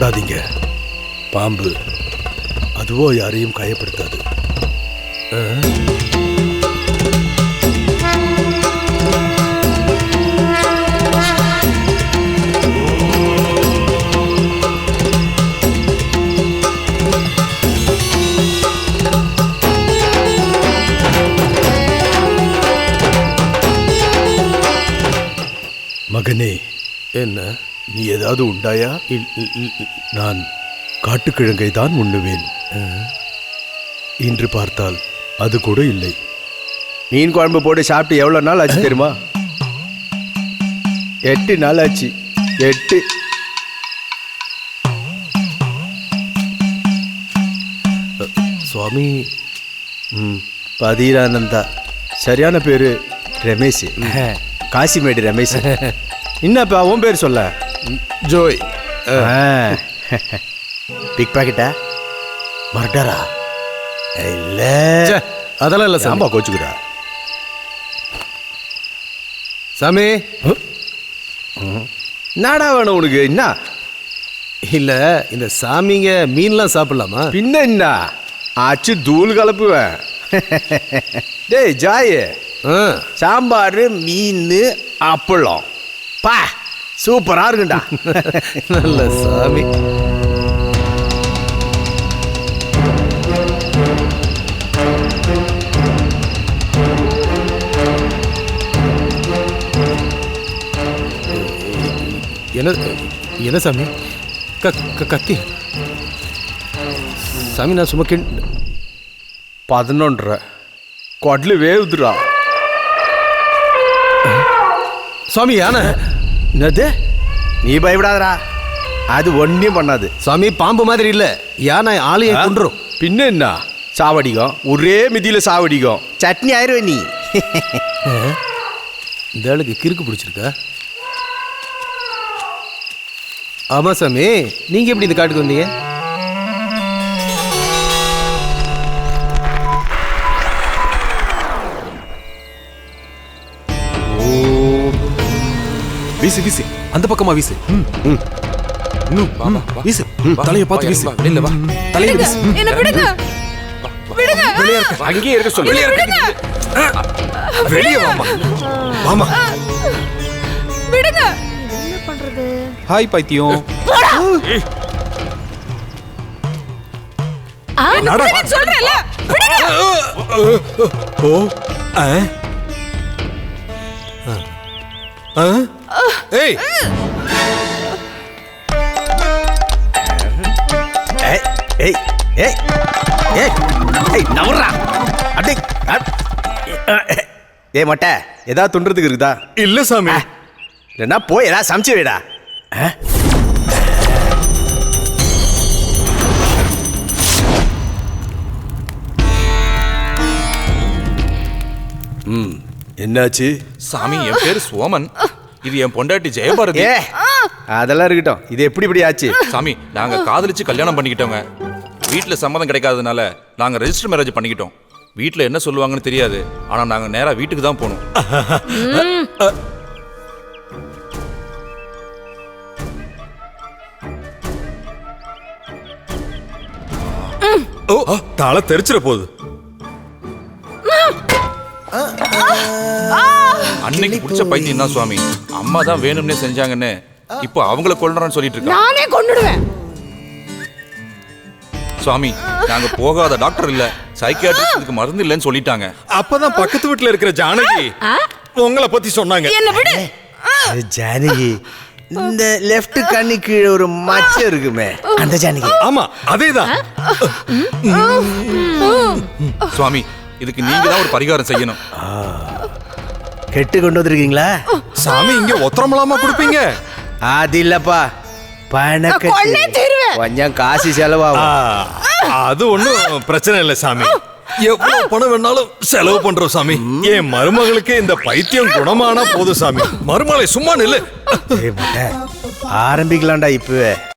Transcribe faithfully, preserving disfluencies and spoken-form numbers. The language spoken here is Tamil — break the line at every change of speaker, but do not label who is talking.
பயப்படாதீங்க. பாம்பு அதுவோ யாரையும் காயப்படுத்தாது. மகனே,
என்ன?
நீ ஏதாவது உண்டாயா? நான் காட்டுக்கிழங்கை தான் உண்ணுவேன். இன்று பார்த்தால் அது கூட இல்லை.
மீன் குழம்பு போட்டு சாப்பிட்டு எவ்வளோ நாள் ஆச்சு தெரியுமா? எட்டு நாள் ஆச்சு. எட்டு.
சுவாமி.
ம் பதீரானந்தா. சரியான பேர் ரமேஷ். காசிமேடு ரமேஷ். என்னப்பா உன் பேர் சொல்ல?
ஜோய்.
பிக் பாக்கெட்டா? மர்டரா? இல்ல
அதெல்லாம் இல்லை சாம்பா.
கோச்சுக்கிறா
சாமி.
என்னடா வேணும் உனக்கு? என்ன
இல்லை, இந்த சாமிங்க மீன்லாம் சாப்பிடலாமா?
பின்ன என்ன ஆச்சு தூள் கலப்புவேன். டேய் ஜாய், சாம்பார் மீன் அப்பளம் பா சூப்பரா இருக்குண்டா.
நல்ல சாமி. என்ன என்ன சாமி? கத்தி சாமி. நான் சும்மா கிண்
பதினொன்றரை கொடலு வேவுதுரா
சுவாமி. யானை?
என்னது? நீ பயப்படாதரா, அது ஒன்றும் பண்ணாது.
சாமி பாம்பு மாதிரி இல்லை, யானை ஆளையை கொன்றும்.
பின்ன என்ன சாவடிக்கும், ஒரே மிதியில் சாவடிக்கும். சட்னி ஆயிடுவே நீ.
இந்த ஆளுக்கு கிறுக்கு பிடிச்சிருக்கா? ஆமாம் சாமி. நீங்கள் எப்படி இந்த காட்டுக்கு வந்தீங்க?
வீசு வீசு, அந்த பக்கமா வீசு. வீசு, தலையை பார்த்து வீசு. வெளியில வா, தலையை வீசு.
என்ன விடுங்க, விடுங்க.
வெளியே இருக்க, அங்கேயே இருக்க சொல்லு. வெளியே இருக்க, வெளியே வாமா, வாமா.
விடுங்க. என்ன பண்றது?
ஹாய் பைத்தியம்.
நடா சொல்றேன்ல, விடுங்க.
ஓ ஆ ஆ ஏய்
ஏய் ஏய் ஏய் ஏய் ஏய் நவரா. அடே ஏய் மொட்டை, ஏதாவது துண்டுறதுக்கு இருக்குதா?
இல்ல சாமி.
இல்லைன்னா போய் ஏதாவது சமைச்சு வைடா. ம் என்னாச்சு?
சாமி, என் பேர் சோமன். இது என் பொண்டாட்டி ஜெயபாரதி.
ஏ அதெல்லாம் இருக்கட்டும், இது எப்படி இப்படி ஆச்சு?
சாமி, நாங்க காதலிச்சு கல்யாணம் பண்ணிக்கிட்டோங்க. வீட்டுல சம்மதம் கிடைக்காதனால நாங்க ரெஜிஸ்டர் மேரேஜ் பண்ணிக்கிட்டோம். வீட்டுல என்ன சொல்லுவாங்கன்னு தெரியாது, ஆனா நாங்க நேரா வீட்டுக்கு தான் போனோம்.
ஓ தலை தெரிச்சிட போகுது.
அன்னைக்கு பிடிச்ச பைத்தியம் தான் சுவாமி. அம்மா தான் வேணும்னே செஞ்சாங்கன்னு இப்போ அவங்கள கொல்றேன்னு சொல்லிட்டு இருக்கா.
நானே கொன்னுடுவேன்.
சுவாமி, நாங்க போகாத டாக்டர் இல்ல, சைக்கியாட்ரிஸ்டுக்கு மருந்து இல்லைன்னு சொல்லிட்டாங்க.
அப்பதான் பக்கத்து வீட்டுல இருக்கிற ஜானகி உங்களை பத்தி சொன்னாங்க.
என்ன விடு.
ஜானகி, இந்த லெஃப்ட் கண்ணு கீழே ஒரு மச்சம் இருக்குமே, அந்த ஜானகி.
ஆமா, அதேதான்.
சுவாமி, இதுக்கு நீங்க தான் ஒரு பரிகாரம் செய்யணும்.
கெட்டு கொண்டு வந்திருக்கீங்களா?
சாமி, இங்க ஒத்தரமலாமா கொடுப்பீங்க?
அது இல்லப்பா, பணக்கட்டு.
கொன்னே தீருவேன்.
கொஞ்சம் காசு செலவாகும்.
அது ஒண்ணும் பிரச்சனை இல்லை சாமி. எவ்வளவு பணம் வேணாலும் செலவு பண்றோம் சாமி. என் மருமகளுக்கு இந்த பைத்தியம் குணமானா போதும் சாமி. மருமகளை சும்மா நில்லு.
ஆரம்பிக்கலாம்டா இப்பவே.